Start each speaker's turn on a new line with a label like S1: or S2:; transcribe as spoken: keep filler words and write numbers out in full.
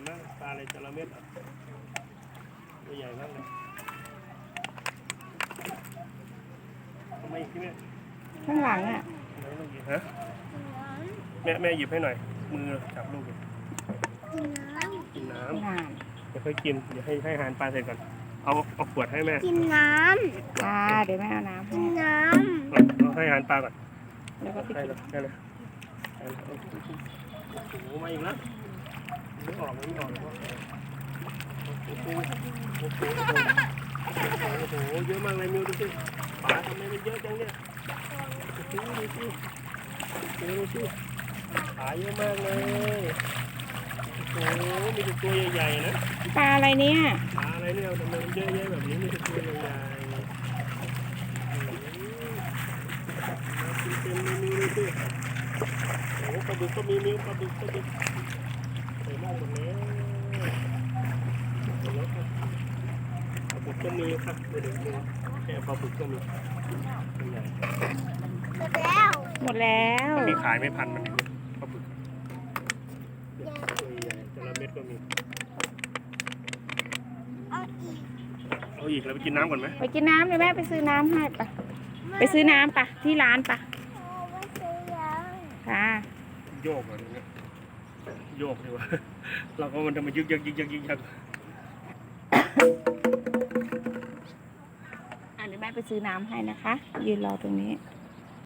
S1: มากปลาอะไรจระเม็ดอ่ะตัวใหญ่มากเลยทำไมอีกที่แม่
S2: ข้างหลังอ่ะ
S1: ไหนลูกหยิบฮะแม่แม่หยิบให้หน่อยมือจับลูกกินกินน้ำเดี๋ยวค่อยกินเดี๋ยวให้ให้อาหารปลาเสร็จก่อนเอาเอาขวดให้แม่
S3: กินน้
S2: ปลาเดี๋ยวแม่เอาน้ำให้
S3: ำกินน้
S1: เอาให้อาหารปลาก่อน
S2: แล้วก็ไป
S1: ได้
S2: กิน
S1: เลยได้เลยได้เลยโอ้โหมาอีกแล้วไม่ออกไม่ออกโอ้โหโอ้โหโอ้โหโอ้โหเยอะมากเลยมิวดูสิปลาทำไมมันเยอะจังเนี่ยดูสิดูสิดูสิปลาเยอะมากเลยโอ้โหมีแต่ตัวใหญ่ๆนะ
S2: ปลาอะไรเนี่ย
S1: ปลาอะไรเนี่ยทำไมมันเยอะแยะแบบนี้มีแต่ตัวใหญ่ๆมากินเต็มเลยมิวดูสิโอ้โหปลาบึกก็มีมิวปลาบึกปลาบึกใส่หม้อหมดแล้วหมดแล้วครับปลาบึกก็มีครับเดี๋ยวดูแค่ปลาบึกก็มีตัวใหญ่
S3: ำแล้ว
S2: หมดแล้ว
S1: มันมีขายไม่พันมันปลาบึกตัวใหญ่จระเม็ดก็มี
S3: เอาอีก
S1: เอาอีกแล้วไปกินน้ำก่อนไหม
S2: ไปกินน้ำเดี๋ยวแม่ไปซื้อน้ำให้ปะไปซื้อน้ำปะที่ร้านปะ
S3: เอาไว้ซื้อยัง
S2: ค่ะ
S1: โยกก่อนเนี่ยโยกดีกว่า เราก็มันจะมายึกยักยึกยักยึกยัก
S2: อ่ะเดี๋ยวแม่ไปซื้อน้ำให้นะคะ ยืนรอตรงนี้
S1: โ